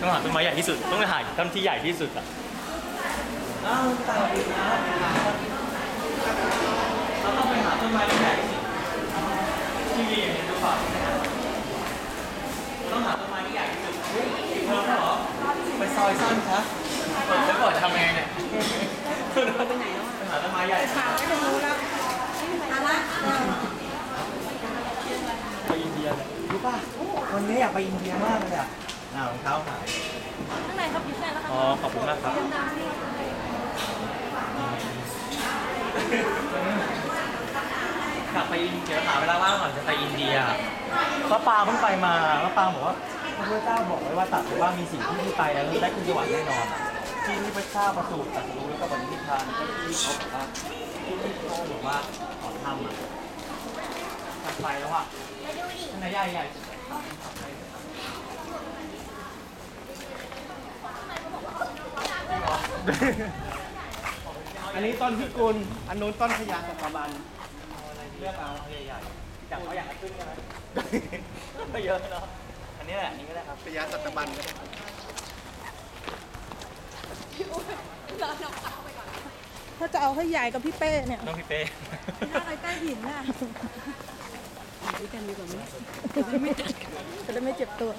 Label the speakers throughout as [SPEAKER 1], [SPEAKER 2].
[SPEAKER 1] ต้องหาต้นไม้ใหญ่ที่สุดต้องไปหาต้นที่ใหญ่ที่สุดอ่ะอ้าวตายแล้วเราต้องไปหาต้นไม้ที่ใหญ่ที่สุดที่มีอย่างนี้ดูก่อนต้องหาต้นไม้ที่ใหญ่ที่สุดปิดเทอมแล้วเหรอไปซอยสั้นครับเปิดแล้วก่อนทำไงเนี่ยไปไหนแล้วไปหาต้นไม้ใหญ่
[SPEAKER 2] ข่าวไม่รู้แล้วอะไร
[SPEAKER 1] ไปอินเดียเลยรู้ป่ะวันนี้อยากไปอินเดียมากเลยอ่ะรองเท้าหาย
[SPEAKER 2] ข้างในครับพิเศษแล้วครับ
[SPEAKER 1] อ๋อขอบคุณมากครับอยากไปอินเดียหาเวลาว่างก่อนจะไปอินเดียพระปางเพิ่งไปมาพระปางบอกว่าพระพุทธเจ้าบอกไว้ว่าตัดว่ามีสิ่งที่ไปแล้วได้ขึ้นสวรรค์แน่นอนที่พระเจ้าประสูติตรัสรู้แล้วก็ปฏินิพพานก็ที่เขาบอกว่าที่เขาบอกว่าขอทำอ่ะตัดไปแล้วอ่ะขนาดใหญ่
[SPEAKER 3] อันนี้ต้นพิกุลอันนู้นต้นพญาสัตบัน
[SPEAKER 1] เลือกเอาใหญ่ๆจากเขาอยากขึ้นใช่ไหมก็เยอะเนาะอันนี้แหละอันนี้ก็ได้ครับ
[SPEAKER 3] พญาสัตบันก็ได้
[SPEAKER 2] ถ้าจะเอาให้ใหญ่กับพี่เป้เนี่ย
[SPEAKER 1] ต้องพี่เป้
[SPEAKER 2] ถ้าอะไรใต้หินน่ะด้วยกันดีกว่าไหมจะได้ไม่เจ็บตัว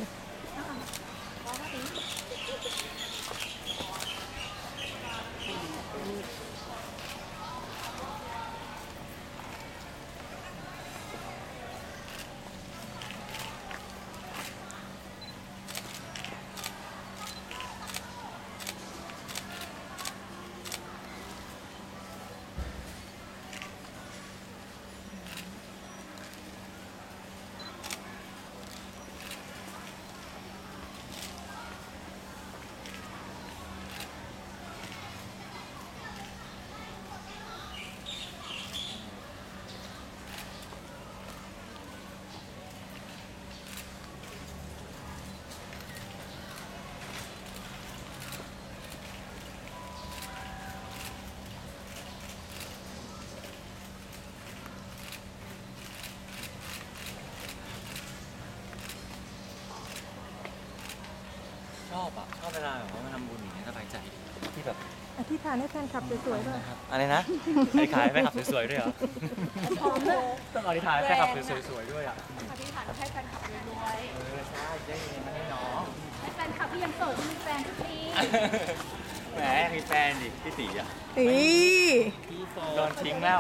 [SPEAKER 1] ชอบเวลาแบบว่ามาทำบุญอย่างนี้สบายใจที่แบบ
[SPEAKER 2] อธิษฐานให้แฟนคลับสวยๆด้วย
[SPEAKER 1] อะไรนะอธิษฐานให้แฟนคลับสวยๆด้วยเหรอต้องอธิษฐานให้แฟนคลับสวยๆด้วยอ่ะ
[SPEAKER 2] อธิษฐานให้แฟนคลับรวย
[SPEAKER 1] ใช่ได้เงินมาให้น้อง
[SPEAKER 2] ให้แฟนคลับที่ยังโสดมีแฟนทุกที
[SPEAKER 1] แหมมีแฟนดิพี่ตีอ่ะโดนทิ้งแล้ว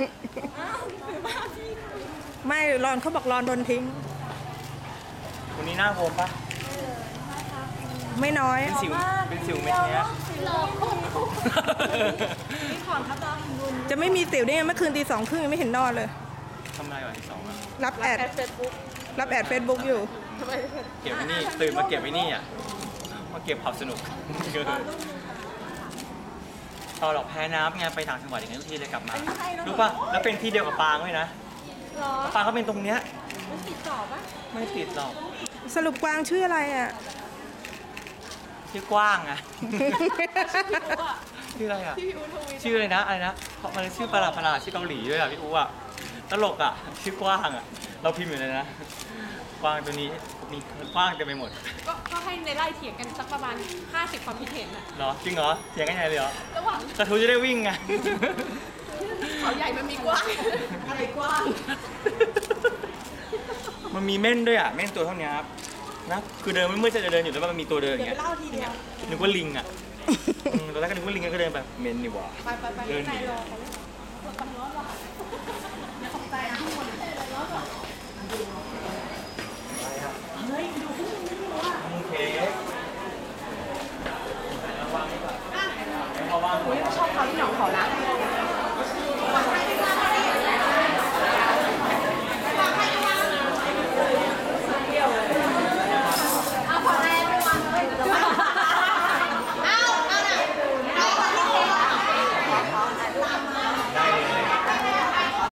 [SPEAKER 2] ไม่รอนเขาบอกรอนโดนทิ้ง
[SPEAKER 1] คนนี้หน้าโฮมปะ
[SPEAKER 2] ไม่น้อย
[SPEAKER 1] เป็นสิวเม็ดเนี้ย
[SPEAKER 2] จะไม่มีสิวได้ไงเมื่อคืนตี 2:30ยังไม่เห็นนอนเลย
[SPEAKER 1] ทำไมวันที่2อ่ะ
[SPEAKER 2] รับแอดเฟซบุ๊กอยู่
[SPEAKER 1] เก็บไว้นี่ตื่นมาเก็บไว้นี่อ่ะมาเก็บความสนุกตอนหลอกแพ้น้ำไงไปต่างจังหวัดอย่างนี้ทุกทีเลยกลับมารู้ป่ะแล้วเป็นที่เดียวกับปางด้วยนะปางเขาเป็นตรงเนี้ย
[SPEAKER 2] มันติดต่อปะ
[SPEAKER 1] ไม่ติดหรอก
[SPEAKER 2] สรุปกวางชื่ออะไรอ่ะ
[SPEAKER 1] ชื่อกว้างอะชื่ออะไรอะชื่ออะไรนะเพราะมันชื่อประหลาดชื่อเกาหลีด้วยอะพี่อู๋อะตลกอะชื่อกว้างอะเราพิมพ์อยู่เลยนะกว้างตัวนี้มีกว้างเต็มไปหมด
[SPEAKER 4] ก็ให้ในไล่เถียงกันสักประมาณ50ความคิดเห็นอะ
[SPEAKER 1] เหรอจริงเหรอเถียงกันไงเลยเหรอ
[SPEAKER 4] ระหว่าง
[SPEAKER 1] กระทู้จะได้วิ่งไง
[SPEAKER 4] เขาใหญ่มันมีกว้างอะไรกว้าง
[SPEAKER 1] มันมีเม่นด้วยอะเม่นตัวเท่านี้ครับนะคือเดินไม่เมื่อจะเดินอยู่แล้วมันมีตัวเดินอย่างเงี้ยนึกว่าลิงอ่ะตอนแรกก็นึกว่าลิงก็เดินแบบเมนนี่หว่า
[SPEAKER 4] เดินหนี
[SPEAKER 1] ร้อน